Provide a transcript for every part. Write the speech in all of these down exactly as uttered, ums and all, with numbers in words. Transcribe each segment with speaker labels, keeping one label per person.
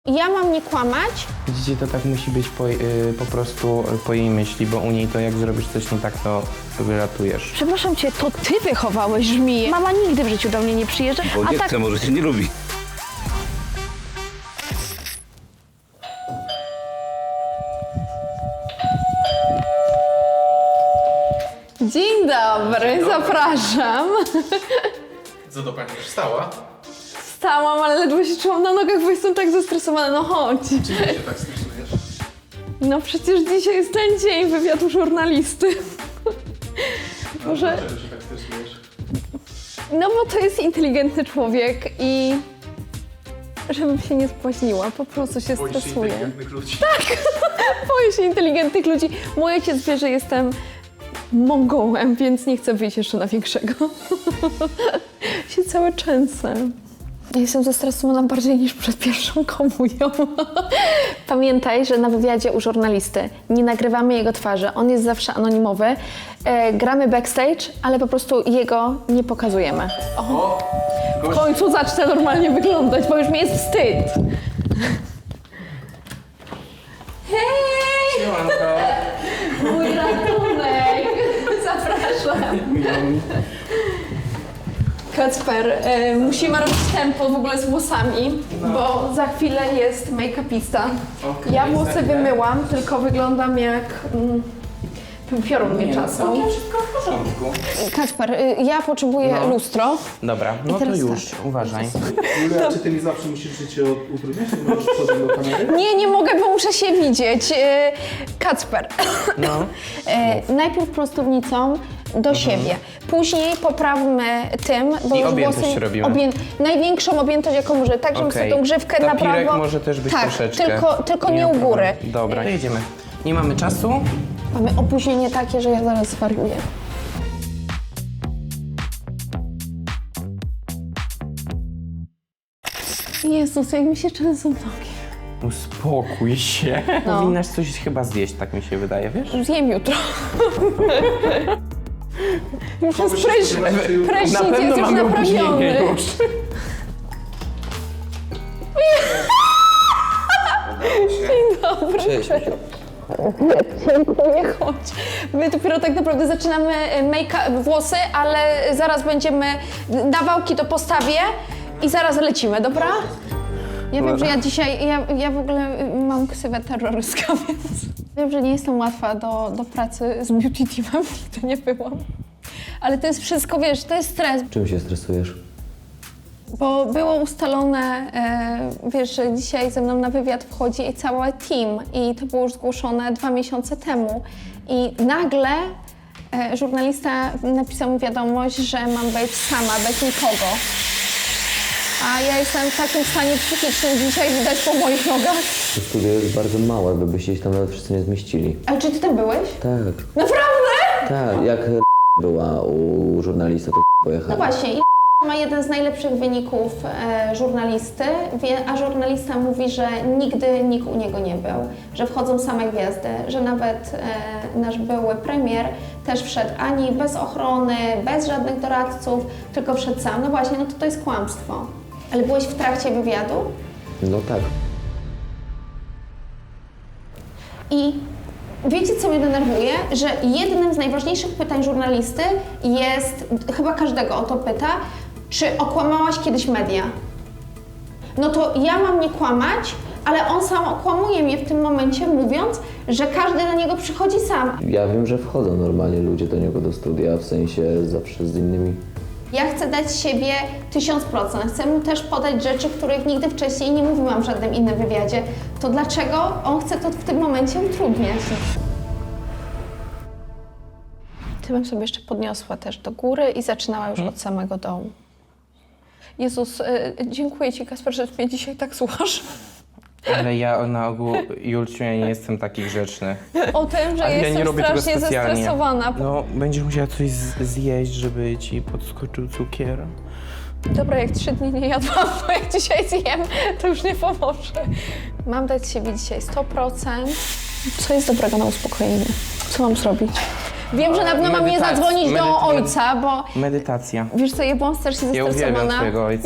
Speaker 1: Ja mam nie kłamać?
Speaker 2: Widzicie, to tak musi być po, yy, po prostu po jej myśli, bo u niej to jak zrobisz coś nie tak, to wyratujesz.
Speaker 1: Przepraszam cię, to ty wychowałeś żmiję. Mama nigdy w życiu do mnie nie przyjeżdża.
Speaker 3: Bo
Speaker 1: a
Speaker 3: nie
Speaker 1: tak...
Speaker 3: chce, może się nie lubi.
Speaker 1: Dzień dobry, zapraszam.
Speaker 4: Co to pani już stała?
Speaker 1: Wstałam, ale ledwo się czułam na nogach, bo jestem tak zestresowana. No chodź.
Speaker 4: Czym się tak stresujesz?
Speaker 1: No przecież dzisiaj jest ten dzień wywiadu żurnalisty. Może...
Speaker 4: Dlaczego się tak stresujesz?
Speaker 1: No bo to jest inteligentny człowiek i... Żebym się nie spłaźniła, po prostu się
Speaker 4: Boisz się
Speaker 1: stresuję.
Speaker 4: inteligentnych ludzi?
Speaker 1: Boję się inteligentnych ludzi. Mój ojciec wie, że jestem Mongołem, więc nie chcę wyjść jeszcze na większego. się całe częsę. Ja jestem zestresowana bardziej niż przed pierwszą komunią. Pamiętaj, że na wywiadzie u żurnalisty nie nagrywamy jego twarzy. On jest zawsze anonimowy. E, gramy backstage, ale po prostu jego nie pokazujemy. O,
Speaker 4: O!
Speaker 1: w końcu zacznę normalnie wyglądać, bo już mi jest wstyd. Hej!
Speaker 2: Siemanko.
Speaker 1: Mój ratunek! Zapraszam. Kacper, y, musimy robić tempo w ogóle z włosami, bo za chwilę jest make-upista.
Speaker 2: Okej,
Speaker 1: Ja włosy
Speaker 2: zajmę.
Speaker 1: wymyłam, tylko wyglądam jak mm, piorun mnie czasą.
Speaker 2: Wszystko w porządku.
Speaker 1: Kacper, y, ja potrzebuję
Speaker 2: No.
Speaker 1: lustro.
Speaker 2: Dobra, no to
Speaker 1: teraz
Speaker 2: już,
Speaker 1: tak.
Speaker 2: uważaj.
Speaker 4: Julia, czy ty mi zawsze musisz życie utrudniać? Nie możesz podejść do kamery?
Speaker 1: Nie, nie mogę, bo muszę się widzieć. Y, Kacper,
Speaker 2: No.
Speaker 1: y, najpierw prostownicą do siebie. Później poprawmy tym, bo
Speaker 2: Mhm. I
Speaker 1: już
Speaker 2: objętość
Speaker 1: włosy...
Speaker 2: robimy.
Speaker 1: Obję... Największą objętość, jaką możemy, tak żebym
Speaker 2: Okej.
Speaker 1: sobie tą grzywkę na
Speaker 2: Tapirek
Speaker 1: prawo...
Speaker 2: może też być
Speaker 1: tak,
Speaker 2: troszeczkę.
Speaker 1: tylko, tylko nie u
Speaker 2: ma
Speaker 1: góry.
Speaker 2: problemu. Dobra, jedziemy. Nie mamy czasu.
Speaker 1: Mamy opóźnienie takie, że ja zaraz zwariuję. Jezus, jak mi się często nogi.
Speaker 2: Uspokój się.
Speaker 1: No.
Speaker 2: Powinnaś coś chyba zjeść, tak mi się wydaje, wiesz?
Speaker 1: Zjem jutro. Już jest
Speaker 4: Mogę się
Speaker 1: prysz...
Speaker 4: spodziewać, że jutro-
Speaker 1: prysznic,
Speaker 2: Na pewno
Speaker 1: jest już
Speaker 2: mamy
Speaker 1: naprawiony.
Speaker 2: opóźnienie już.
Speaker 1: Dobry. Cześć. Dziękuję, chodź. My dopiero tak naprawdę zaczynamy make włosy, ale zaraz będziemy, nawałki to postawię i zaraz lecimy, dobra? Ja wiem, że ja dzisiaj, ja, ja w ogóle mam ksywę terrorystka, więc wiem, że nie jestem łatwa do, do pracy z beauty teamem, nigdy nie byłam. Ale to jest wszystko, wiesz, to jest stres.
Speaker 5: Czym się stresujesz?
Speaker 1: Bo było ustalone, e, wiesz, że dzisiaj ze mną na wywiad wchodzi cały team i to było już zgłoszone dwa miesiące temu. I nagle e, żurnalista napisał mi wiadomość, że mam być sama, bez nikogo. A ja jestem w takim stanie psychicznym dzisiaj, widać po moich nogach.
Speaker 5: To studio jest bardzo małe, by byście się tam nawet wszyscy nie zmieścili.
Speaker 1: Ale czy ty tam byłeś?
Speaker 5: Tak,
Speaker 1: Naprawdę?
Speaker 5: tak, jak była u żurnalisty, to
Speaker 1: No
Speaker 5: pojechała.
Speaker 1: właśnie. I ma jeden z najlepszych wyników e, żurnalisty, wie, a żurnalista mówi, że nigdy nikt u niego nie był, że wchodzą same gwiazdy, że nawet e, nasz były premier też wszedł ani bez ochrony, bez żadnych doradców, tylko wszedł sam. No właśnie, no to to jest kłamstwo. Ale byłeś w trakcie wywiadu
Speaker 5: No tak.
Speaker 1: i wiecie, co mnie denerwuje? Że jednym z najważniejszych pytań żurnalisty jest, chyba każdego o to pyta, czy okłamałaś kiedyś media? No to ja mam nie kłamać, ale on sam okłamuje mnie w tym momencie, mówiąc, że każdy do niego przychodzi sam.
Speaker 5: Ja wiem, że wchodzą normalnie ludzie do niego do studia, w sensie zawsze z innymi.
Speaker 1: Ja chcę dać z siebie tysiąc procent. Chcę mu też podać rzeczy, których nigdy wcześniej nie mówiłam w żadnym innym wywiadzie. To dlaczego on chce to w tym momencie utrudniać? Ty bym sobie jeszcze podniosła też do góry i zaczynała już od samego dołu. Jezus, y, dziękuję Ci, Kasper, że mnie dzisiaj tak słuchasz.
Speaker 2: Ale ja na ogół, Julciu, ja nie jestem taki grzeczny.
Speaker 1: O tym, że
Speaker 2: Ale ja
Speaker 1: jestem
Speaker 2: nie robię tego
Speaker 1: strasznie
Speaker 2: specjalnie.
Speaker 1: zestresowana.
Speaker 2: No, będziesz musiała coś z- zjeść, żeby ci podskoczył cukier.
Speaker 1: Dobra, jak trzy dni nie jadłam, to jak dzisiaj zjem, to już nie pomoże. Mam dać z siebie dzisiaj sto procent. Co jest dobrego na uspokojenie? Co mam zrobić? Wiem, że na pewno mam nie
Speaker 2: Medytacja.
Speaker 1: zadzwonić do
Speaker 2: Medyt-
Speaker 1: ojca, bo
Speaker 2: Medytacja.
Speaker 1: wiesz co, ja byłam strasznie
Speaker 2: Ja uwielbiam
Speaker 1: zestresowana.
Speaker 2: swojego ojca.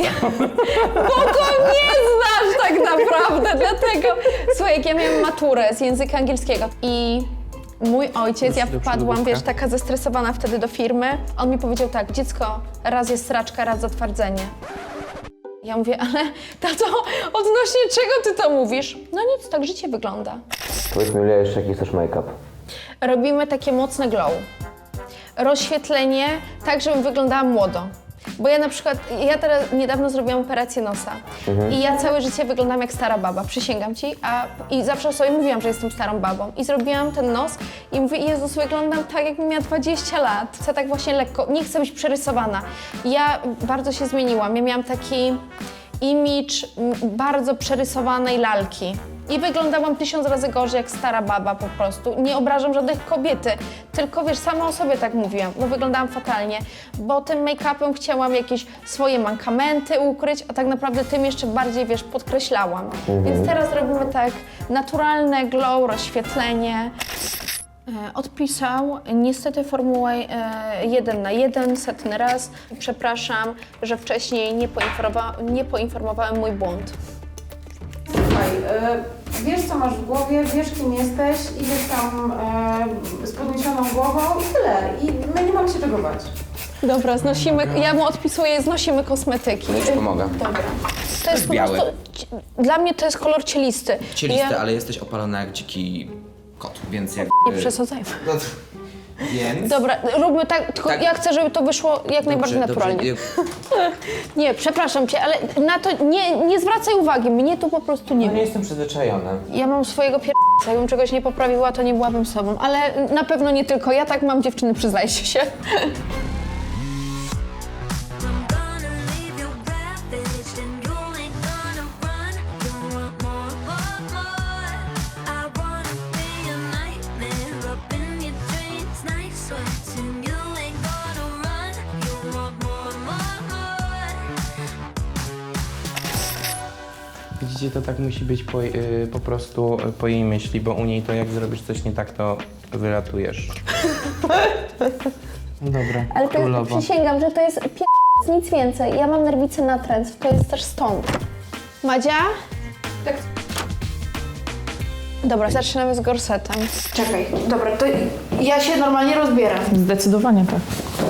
Speaker 1: Bo go nie znasz tak naprawdę, dlatego. Słuchaj, jak ja miałam maturę z języka angielskiego i mój ojciec, ja
Speaker 2: do
Speaker 1: wpadłam,
Speaker 2: przodu,
Speaker 1: wiesz, taka zestresowana wtedy do firmy. On mi powiedział tak, dziecko, raz jest sraczka, raz zatwardzenie. Ja mówię, ale tato, odnośnie czego ty to mówisz? No nic, tak życie wygląda.
Speaker 5: Powiedz mi, Julia, jeszcze jaki chcesz make-up?
Speaker 1: Robimy takie mocne glow. Rozświetlenie, tak żebym wyglądała młodo. Bo ja na przykład, ja teraz niedawno zrobiłam operację nosa i ja całe życie wyglądam jak stara baba, przysięgam ci, a i zawsze sobie mówiłam, że jestem starą babą. I zrobiłam ten nos i mówię, Jezus, wyglądam tak, jakbym miała dwadzieścia lat. Chcę tak właśnie lekko, nie chcę być przerysowana. Ja bardzo się zmieniłam, ja miałam taki imidż m, bardzo przerysowanej lalki. I wyglądałam tysiąc razy gorzej jak stara baba po prostu. Nie obrażam żadnej kobiety, tylko wiesz, sama o sobie tak mówiłam, bo wyglądałam fatalnie, bo tym make-upem chciałam jakieś swoje mankamenty ukryć, a tak naprawdę tym jeszcze bardziej, wiesz, podkreślałam. Więc teraz robimy tak naturalne glow, rozświetlenie. E, Odpisał niestety formułę e, jeden na jeden, setny raz. Przepraszam, że wcześniej nie, poinformowa- nie poinformowałem mój błąd.
Speaker 3: Słuchaj, e, wiesz co masz w głowie, wiesz kim jesteś, idziesz tam e, z podniesioną głową i tyle. I my nie mamy się czego bać.
Speaker 1: Dobra, znosimy, ja mu odpisuję, znosimy kosmetyki.
Speaker 2: Ja ci pomogę.
Speaker 1: Dobra. To jest po
Speaker 6: biały.
Speaker 1: prostu, ci- dla mnie to jest kolor cielisty.
Speaker 6: Cielisty,
Speaker 1: Ja,
Speaker 6: ale jesteś opalona jak dziki kot, więc jak...
Speaker 1: nie przesadzajmy.
Speaker 6: No to, więc...
Speaker 1: Dobra, róbmy tak, tylko
Speaker 6: Tak.
Speaker 1: ja chcę, żeby to wyszło jak najbardziej
Speaker 6: Dobrze,
Speaker 1: naturalnie.
Speaker 6: dobrze.
Speaker 1: Nie, przepraszam cię, ale na to nie, nie zwracaj uwagi, mnie tu po prostu nie
Speaker 2: Nie
Speaker 1: ma.
Speaker 2: jestem przyzwyczajony.
Speaker 1: Ja mam swojego pier... Jakbym czegoś nie poprawiła, to nie byłabym sobą, ale na pewno nie tylko ja, tak mam dziewczyny, przyznajcie się.
Speaker 7: I'm gonna leave you ravaged and you ain't gonna run. You want more, more, more. I wanna be a nightmare up in your dreams, night sweats and you ain't gonna run. You want more, more, more.
Speaker 2: Widzicie, to tak musi być po, y, po prostu y, po jej myśli, bo u niej to jak zrobisz coś nie tak, to wylatujesz. Dobra,
Speaker 1: Ale to
Speaker 2: królowo.
Speaker 1: przysięgam, że to jest pier... nic więcej. Ja mam nerwicę natręt, to jest też stąd. Madzia?
Speaker 3: Tak.
Speaker 1: Dobra, zaczynamy z gorsetem.
Speaker 3: Czekaj, dobra, to ja się normalnie rozbieram.
Speaker 8: Zdecydowanie tak.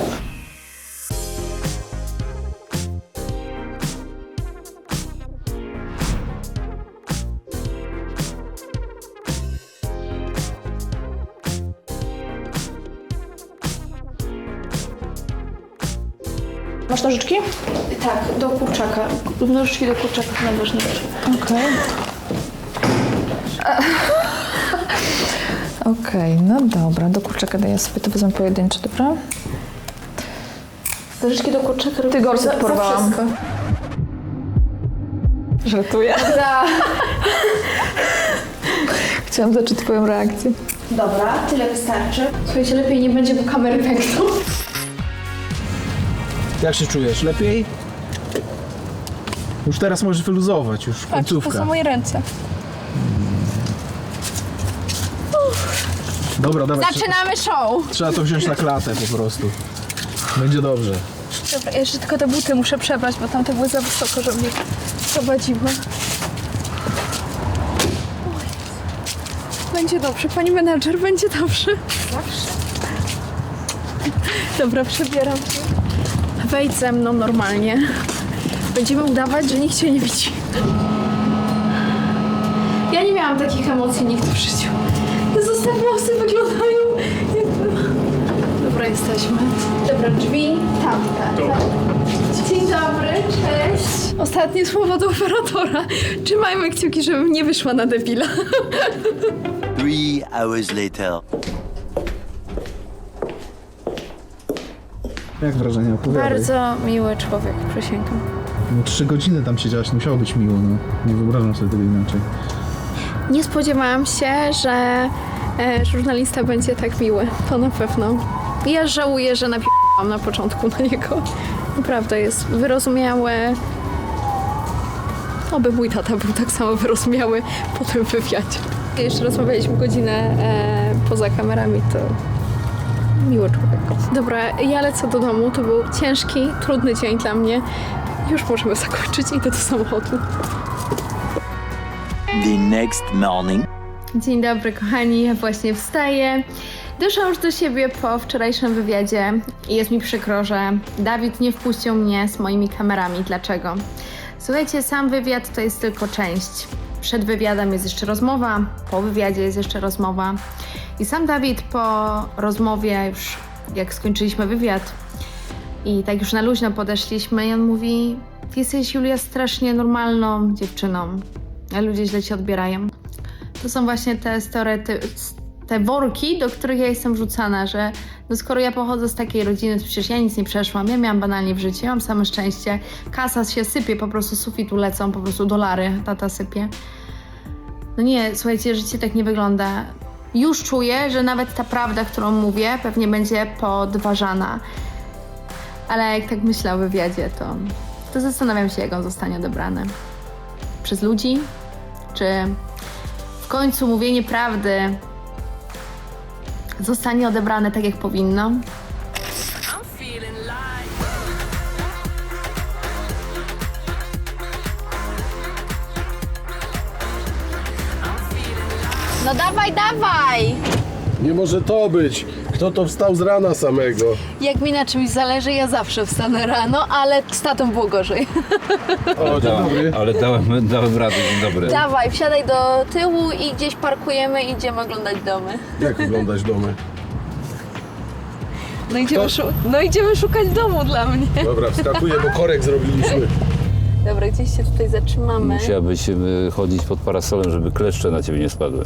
Speaker 8: Masz nożyczki?
Speaker 1: Tak, do kurczaka. Nożyczki do kurczaka najważniejsze.
Speaker 8: Okej. Okej, no dobra, do kurczaka daję sobie, to wezmę pojedyncze, dobra?
Speaker 1: Nożyczki do kurczaka.
Speaker 8: Ty gorset
Speaker 1: za,
Speaker 8: porwałam.
Speaker 1: Za wszystko.
Speaker 8: Żartuję.
Speaker 1: Za...
Speaker 8: Chciałam zobaczyć twoją reakcję.
Speaker 1: Dobra, tyle wystarczy. Słuchajcie, lepiej nie będzie, bo kamery pękną.
Speaker 4: Jak się czujesz? Lepiej? Już teraz możesz wyluzować, już końcówka.
Speaker 8: moje ręce.
Speaker 4: Dobra, dobra.
Speaker 1: Zaczynamy show!
Speaker 4: Trzeba to wziąć na klatę po prostu. Będzie dobrze.
Speaker 8: Dobra, jeszcze tylko te buty muszę przebrać, bo tamte były za wysoko, żeby mnie prowadziły. Będzie dobrze, pani menadżer, będzie dobrze. Zawsze. Dobra, przebieram się. Wejdź ze mną normalnie. Będziemy udawać, że nikt cię nie widzi. Ja nie miałam takich emocji nigdy w życiu. Te zostaw włosy wyglądają jakby... Dobra, jesteśmy. Dobra, drzwi tamte. Dzień dobry, cześć. Ostatnie słowo do operatora. Trzymajmy kciuki, żebym nie wyszła na debila.
Speaker 9: Three hours later.
Speaker 4: Jak wrażenia? Opowiadaj.
Speaker 8: Bardzo miły człowiek, przysięgam.
Speaker 4: No trzy godziny tam siedziałaś, nie musiało być miło, no. Nie wyobrażam sobie tego inaczej.
Speaker 1: Nie spodziewałam się, że e, żurnalista będzie tak miły. To na pewno. Ja żałuję, że napisałam na początku na niego. Naprawdę jest wyrozumiały. Oby mój tata był tak samo wyrozumiały po tym wywiadzie. Jeszcze rozmawialiśmy godzinę e, poza kamerami, to
Speaker 8: Miły człowiek. Dobra, ja lecę do domu. To był ciężki, trudny dzień dla mnie. Już możemy zakończyć. Idę do samochodu.
Speaker 9: The next morning.
Speaker 8: Dzień dobry, kochani. Ja właśnie wstaję. Doszłam już do siebie po wczorajszym wywiadzie i jest mi przykro, że Dawid nie wpuścił mnie z moimi kamerami. Dlaczego? Słuchajcie, sam wywiad to jest tylko część. Przed wywiadem jest jeszcze rozmowa, po wywiadzie jest jeszcze rozmowa. I sam Dawid po rozmowie, już jak skończyliśmy wywiad i tak już na luźno podeszliśmy, i on mówi: ty jesteś, Julia, strasznie normalną dziewczyną, a ludzie źle cię odbierają. To są właśnie te stereotypy, te worki, do których ja jestem wrzucana, że no skoro ja pochodzę z takiej rodziny, to przecież ja nic nie przeszłam, ja miałam banalnie w życiu, ja mam same szczęście, kasa się sypie, po prostu z sufitu lecą, po prostu dolary tata sypie. No nie, słuchajcie, życie tak nie wygląda. Już czuję, że nawet ta prawda, którą mówię, pewnie będzie podważana. Ale jak tak myślę o wywiadzie, to, to zastanawiam się, jak on zostanie odebrany. Przez ludzi? Czy w końcu mówienie prawdy zostanie odebrane tak, jak powinno? No dawaj, dawaj!
Speaker 10: Nie może to być. Kto to wstał z rana samego?
Speaker 8: Jak mi na czymś zależy, ja zawsze wstanę rano, ale z tatą było gorzej.
Speaker 10: O, dzień dobry.
Speaker 11: Ale dałem, dałem radę, dzień dobry.
Speaker 8: Dawaj, wsiadaj do tyłu i gdzieś parkujemy i idziemy oglądać domy.
Speaker 10: Jak oglądać domy?
Speaker 8: No idziemy, szu- no idziemy szukać domu dla mnie.
Speaker 10: Dobra, wskakuję, bo korek zrobiliśmy.
Speaker 8: Dobra, gdzieś się tutaj zatrzymamy.
Speaker 11: Musiałabyś y, chodzić pod parasolem, żeby kleszcze na ciebie nie spadły.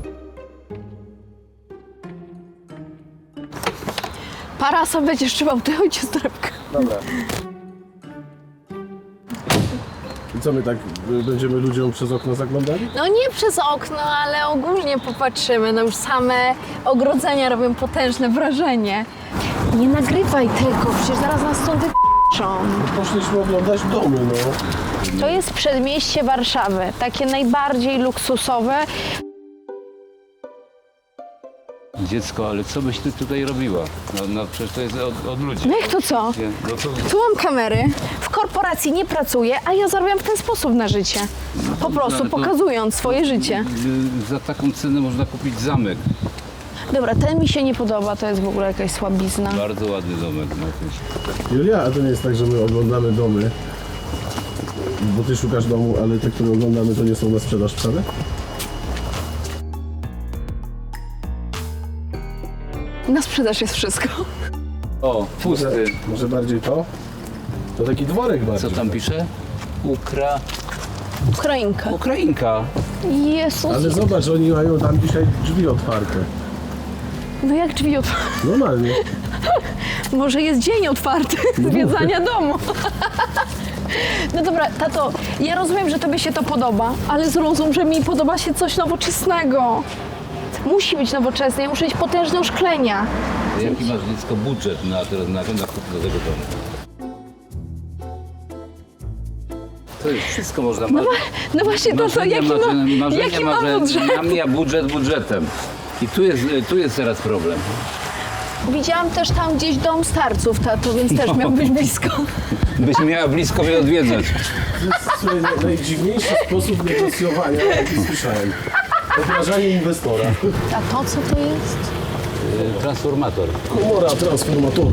Speaker 8: Parasol będziesz trzymał, ty chodź z torebkę.
Speaker 10: Dobra. I co, my tak y, będziemy ludziom przez okno zaglądali?
Speaker 8: No nie przez okno, ale ogólnie popatrzymy. No już same ogrodzenia robią potężne wrażenie. Nie nagrywaj tego, przecież zaraz nas stąd wyp***ą.
Speaker 10: Poszliśmy oglądać domy, no.
Speaker 8: To jest przedmieście Warszawy, takie najbardziej luksusowe.
Speaker 11: Dziecko, ale co byś ty tutaj robiła? No, no przecież to jest od, od ludzi.
Speaker 8: No jak to co?
Speaker 11: Nie, no to,
Speaker 8: Tu mam kamery, w korporacji nie pracuję, a ja zarabiam w ten sposób na życie. Po prostu
Speaker 11: ale to-
Speaker 8: pokazując swoje życie.
Speaker 11: y, za taką cenę można kupić zamek.
Speaker 8: Dobra, ten mi się nie podoba, to jest w ogóle jakaś słabizna.
Speaker 11: Bardzo ładny domek. No, jakiś.
Speaker 10: Julia, a to nie jest tak, że my oglądamy domy, bo ty szukasz domu, ale te, które oglądamy, to nie są na sprzedaż wcale?
Speaker 8: Na sprzedaż jest wszystko.
Speaker 11: O, pusty.
Speaker 10: Może, może bardziej to? To taki dworek bardziej.
Speaker 11: Co tam pisze? Ukra...
Speaker 8: Ukrainka.
Speaker 11: Ukrainka.
Speaker 8: Jezus.
Speaker 10: Ale zobacz, oni mają tam dzisiaj drzwi otwarte.
Speaker 8: No jak drzwi otwarte?
Speaker 10: Normalnie.
Speaker 8: Może jest dzień otwarty zwiedzania domu. No dobra, tato, ja rozumiem, że tobie się to podoba, ale zrozum, że mi podoba się coś nowoczesnego. Musi być nowoczesne, ja muszę mieć potężne szklenia.
Speaker 11: Jaki masz dziecko budżet na, teraz na, na kup do tego domu? To jest wszystko można
Speaker 8: No, wa- no właśnie, tato,
Speaker 11: Marzenia,
Speaker 8: jaki ma,
Speaker 11: marzenia, marzenia,
Speaker 8: jaki ma
Speaker 11: marzenia,
Speaker 8: budżet?
Speaker 11: Mam ja budżet budżetem. I tu jest, tu jest teraz problem.
Speaker 8: Widziałam też tam gdzieś dom starców, tato, więc też miał być blisko.
Speaker 11: Byś miała blisko mnie odwiedzać.
Speaker 10: To jest słuchaj, naj- najdziwniejszy sposób negocjowania, jaki słyszałem. Obrażanie inwestora.
Speaker 8: A to co to jest?
Speaker 11: Y, Transformator.
Speaker 10: Komora transformatora.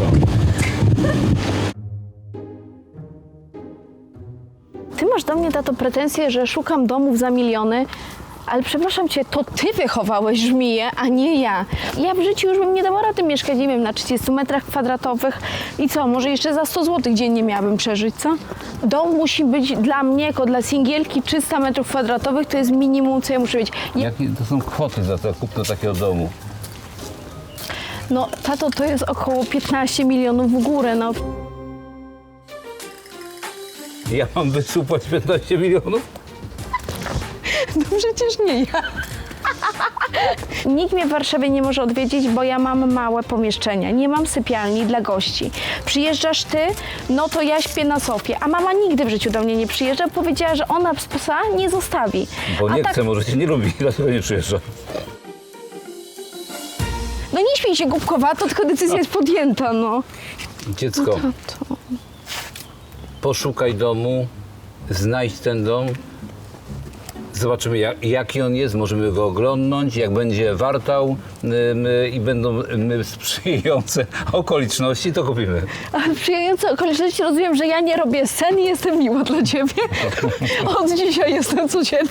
Speaker 8: Ty masz do mnie, tato, pretensje, że szukam domów za miliony, ale przepraszam cię, to ty wychowałeś żmiję, a nie ja. Ja w życiu już bym nie dała rady mieszkać, nie wiem, na trzydziestu metrach kwadratowych i co, może jeszcze za sto złotych dziennie miałabym przeżyć, co? Dom musi być dla mnie, jako dla singielki, trzysta metrów kwadratowych, to jest minimum, co ja muszę mieć. Ja,
Speaker 11: Jakie to są kwoty za to kupno takiego domu?
Speaker 8: no, tato, to jest około piętnaście milionów w górę, no.
Speaker 11: Ja mam wysupłać piętnaście milionów?
Speaker 8: No przecież nie ja. Nikt mnie w Warszawie nie może odwiedzić, bo ja mam małe pomieszczenia. Nie mam sypialni dla gości. Przyjeżdżasz ty, no to ja śpię na sofie. A mama nigdy w życiu do mnie nie przyjeżdża. Powiedziała, że ona psa nie zostawi.
Speaker 11: Bo
Speaker 8: A
Speaker 11: nie
Speaker 8: tak,
Speaker 11: chce, może cię nie lubi, dlatego nie przyjeżdża.
Speaker 8: no nie śpię napij się głupkowato, tylko decyzja jest podjęta, no.
Speaker 11: Dziecko,
Speaker 8: Tato.
Speaker 11: poszukaj domu, znajdź ten dom. Zobaczymy, jak, jaki on jest, możemy go oglądnąć, jak będzie wartał ym, i będą ym, sprzyjające okoliczności, to kupimy.
Speaker 8: A w sprzyjające okoliczności rozumiem, że ja nie robię scen i jestem miła dla ciebie. Od dzisiaj jestem codziennie.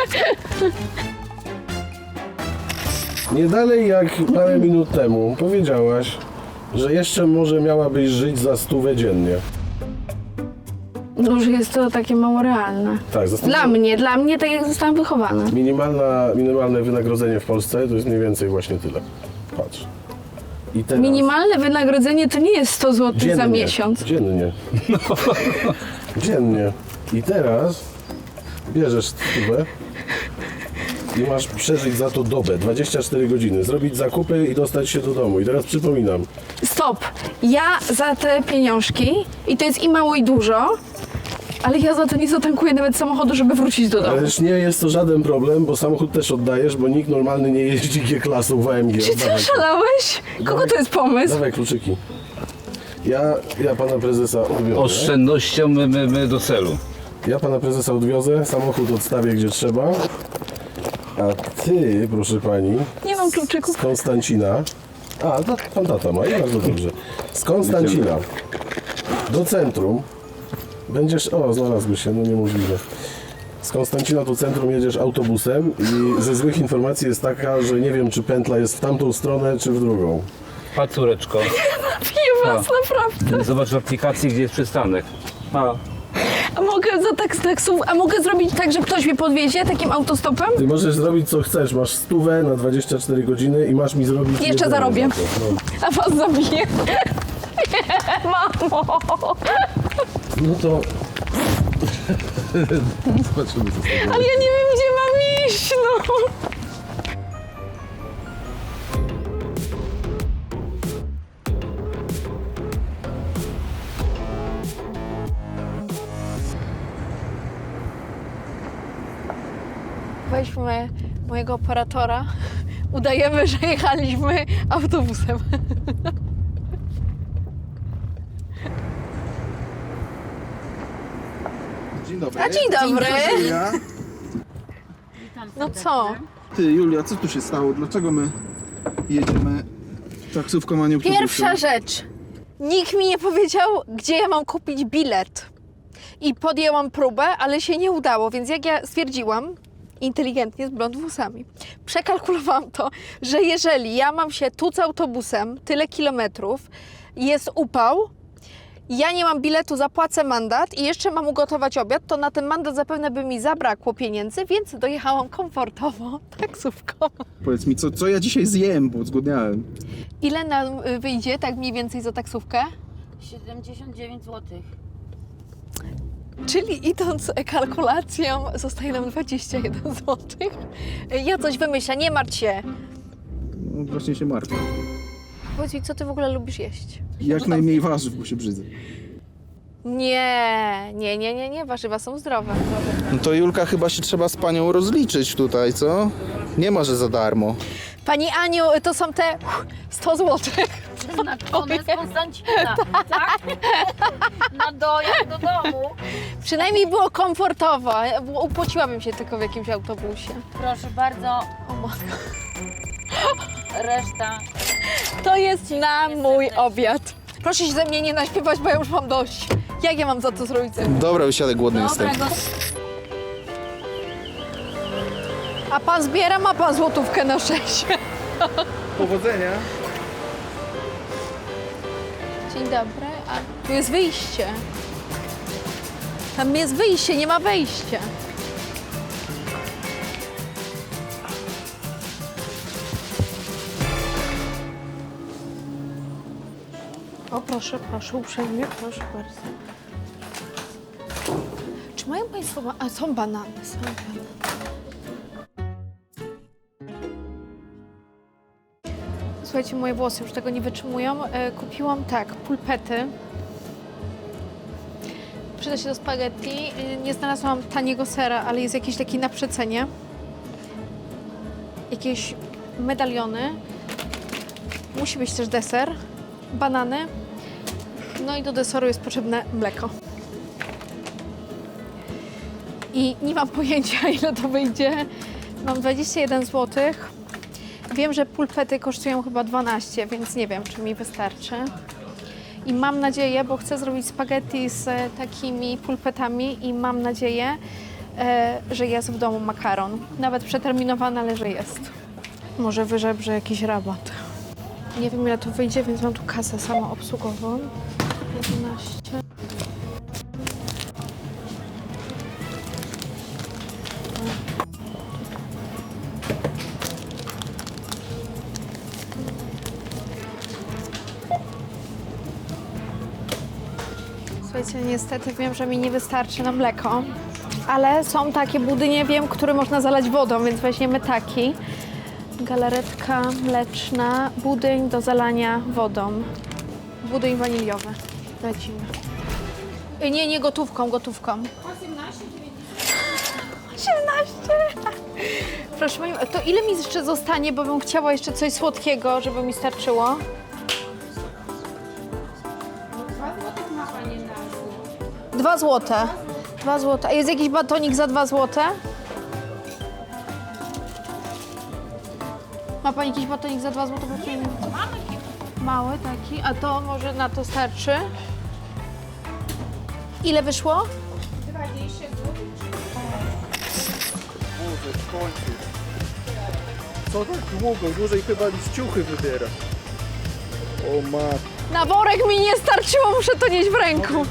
Speaker 10: Nie dalej jak parę minut temu powiedziałaś, że jeszcze może miałabyś żyć za stówę dziennie.
Speaker 8: No, że jest to takie mało realne.
Speaker 10: Tak, za stówę.
Speaker 8: Dla mnie, dla mnie tak jak zostałam wychowana.
Speaker 10: Minimalna, minimalne wynagrodzenie w Polsce to jest mniej więcej właśnie tyle. Patrz. I teraz...
Speaker 8: Minimalne wynagrodzenie to nie jest sto złotych
Speaker 10: Dziennie.
Speaker 8: za miesiąc.
Speaker 10: Dziennie. Dziennie. I teraz bierzesz stówę i masz przeżyć za to dobę, dwadzieścia cztery godziny, zrobić zakupy i dostać się do domu. I teraz przypominam,
Speaker 8: Stop! Ja za te pieniążki, i to jest i mało i dużo, ale ja za to nie zatankuję nawet samochodu, żeby wrócić do domu.
Speaker 10: ależ nie jest to żaden problem, bo samochód też oddajesz, bo nikt normalny nie jeździ G-klasą w A M G.
Speaker 8: Czy ty
Speaker 10: Oddawaj.
Speaker 8: oszalałeś? Kogo to jest pomysł?
Speaker 10: Dawaj kluczyki. Ja, ja pana prezesa odwiozę.
Speaker 11: Oszczędnością my, my, my do celu.
Speaker 10: Ja pana prezesa odwiozę, samochód odstawię gdzie trzeba. A ty, proszę pani,
Speaker 8: Nie mam kluczyków.
Speaker 10: z Konstancina. A, to pan tata ma i bardzo dobrze. Z Konstancina do centrum będziesz. O, znalazłeś się, no niemożliwe. Z Konstancina do centrum jedziesz autobusem i ze złych informacji jest taka, że nie wiem, czy pętla jest w tamtą stronę, czy w drugą.
Speaker 11: Pa, córeczko,
Speaker 8: Piję was, naprawdę.
Speaker 11: zobacz w aplikacji, gdzie jest przystanek. Pa.
Speaker 8: A mogę za tak, taksów, a mogę zrobić tak, że ktoś mnie podwiezie takim autostopem?
Speaker 10: Ty możesz zrobić co chcesz, masz stówę na dwadzieścia cztery godziny i masz mi zrobić...
Speaker 8: Jeszcze
Speaker 10: jedzenie
Speaker 8: zarobię.
Speaker 10: za to. No.
Speaker 8: A was zabiję. Nie, mamo.
Speaker 10: No to... Zobaczymy, co z tego.
Speaker 8: Ale ja nie wiem, gdzie mam iść, no. Weźmy mojego operatora. Udajemy, że jechaliśmy autobusem.
Speaker 12: Dzień dobry.
Speaker 8: A dzień dobry.
Speaker 12: Julia.
Speaker 8: No co?
Speaker 12: Ty, Julia, co tu się stało? Dlaczego my jedziemy taksówką, a nie autobusem?
Speaker 8: Pierwsza rzecz. Nikt mi nie powiedział, gdzie ja mam kupić bilet. I podjęłam próbę, ale się nie udało, więc jak ja stwierdziłam, inteligentnie z blond włosami, przekalkulowałam to, że jeżeli ja mam się tuc autobusem tyle kilometrów, jest upał, ja nie mam biletu, zapłacę mandat i jeszcze mam ugotować obiad, to na ten mandat zapewne by mi zabrakło pieniędzy, więc dojechałam komfortowo taksówką.
Speaker 12: Powiedz mi, co, co ja dzisiaj zjem, bo zgłodniałem.
Speaker 8: Ile nam y, wyjdzie tak mniej więcej za taksówkę?
Speaker 13: siedemdziesiąt dziewięć złotych.
Speaker 8: Czyli idąc kalkulacją, zostaje nam dwadzieścia jeden złotych. Ja coś wymyślę, nie martw się.
Speaker 12: No, właśnie się martwię.
Speaker 8: Powiedz mi, co ty w ogóle lubisz jeść?
Speaker 12: Jak najmniej warzyw, bo się brzydzę.
Speaker 8: Nie, nie, nie, nie, nie, warzywa są zdrowe.
Speaker 12: No to Julka, chyba się trzeba z panią rozliczyć tutaj, co? Nie ma, że za darmo.
Speaker 8: Pani Aniu, to są te sto złotych.
Speaker 13: Przeznaczone z Konstancina, tak? Na dojazd do domu.
Speaker 8: Przynajmniej było komfortowo. Upociłabym się tylko w jakimś autobusie.
Speaker 13: Proszę bardzo,
Speaker 8: O matko.
Speaker 13: reszta.
Speaker 8: To jest na mój obiad. Proszę się ze mnie nie naśpiewać, bo ja już mam dość. Jak ja mam za to zrobić?
Speaker 12: Dobra, wysiadek, głodny jestem.
Speaker 13: Dobrego.
Speaker 8: A pan zbiera, ma pan złotówkę na szczęście.
Speaker 12: Powodzenia.
Speaker 8: Dzień dobry, a tu jest wyjście. Tam jest wyjście, nie ma wejścia. O proszę, proszę, uprzejmie, proszę bardzo. Czy mają państwo... Ba- a, są banany, są banany. Słuchajcie, moje włosy już tego nie wytrzymują. E, kupiłam tak, pulpety. Przyda się do spaghetti. E, nie znalazłam taniego sera, ale jest jakiś taki na przecenie. Jakieś medaliony. Musi być też deser, banany. No i do deseru jest potrzebne mleko. I nie mam pojęcia, ile to wyjdzie. Mam dwadzieścia jeden złotych. Wiem, że pulpety kosztują chyba dwanaście, więc nie wiem, czy mi wystarczy. I mam nadzieję, bo chcę zrobić spaghetti z e, takimi pulpetami i mam nadzieję, e, że jest w domu makaron. Nawet przeterminowany, ale że jest. Może wyżebrze jakiś rabat. Nie wiem, ile to wyjdzie, więc mam tu kasę samoobsługową. jedenaście. Słuchajcie, niestety wiem, że mi nie wystarczy na mleko, ale są takie budynie, wiem, które można zalać wodą, więc weźmiemy taki. Galaretka mleczna, budyń do zalania wodą. Budyń waniliowy. Lecimy. Y, Nie, nie gotówką, gotówką. osiemnaście. Proszę Pani, to ile mi jeszcze zostanie, bo bym chciała jeszcze coś słodkiego, żeby mi starczyło? Dwa złote. Dwa złote. A jest jakiś batonik za dwa złote? Ma Pani jakiś batonik za dwa złote? Mały taki. A to może na to starczy? Ile wyszło?
Speaker 12: Boże, w końcu. Co tak długo? Dłużej chyba niż ciuchy wybiera. O matko.
Speaker 8: Na worek mi nie starczyło, muszę to nieść w ręku.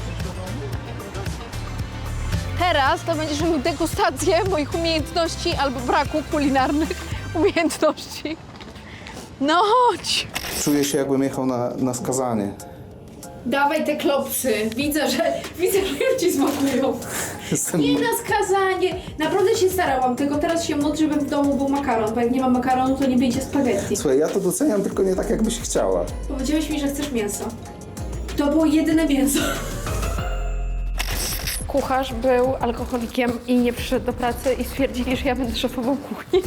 Speaker 8: Teraz to będziesz miał degustację moich umiejętności albo braku kulinarnych umiejętności. No chodź.
Speaker 12: Czuję się, jakbym jechał na, na skazanie.
Speaker 8: Dawaj te klopsy. Widzę, że widzę, że już ci smakują.
Speaker 12: Jestem...
Speaker 8: Nie na skazanie. Naprawdę się starałam, tylko teraz się modlę, żeby w domu był makaron, bo jak nie ma makaronu, to nie będzie spaghetti.
Speaker 12: Słuchaj, ja to doceniam, tylko nie tak, jakbyś chciała.
Speaker 8: Powiedziałeś mi, że chcesz mięso. To było jedyne mięso. Kucharz był alkoholikiem i nie przyszedł do pracy i stwierdzili, że ja będę szefową kuchni.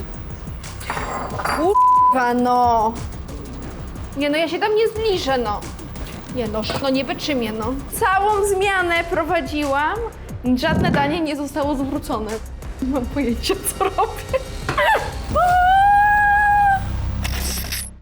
Speaker 8: Kurwa, no. Nie no, ja się tam nie zbliżę, no. Nie no, no nie wytrzymię, no. Całą zmianę prowadziłam, żadne danie nie zostało zwrócone. Nie mam pojęcia, co robię.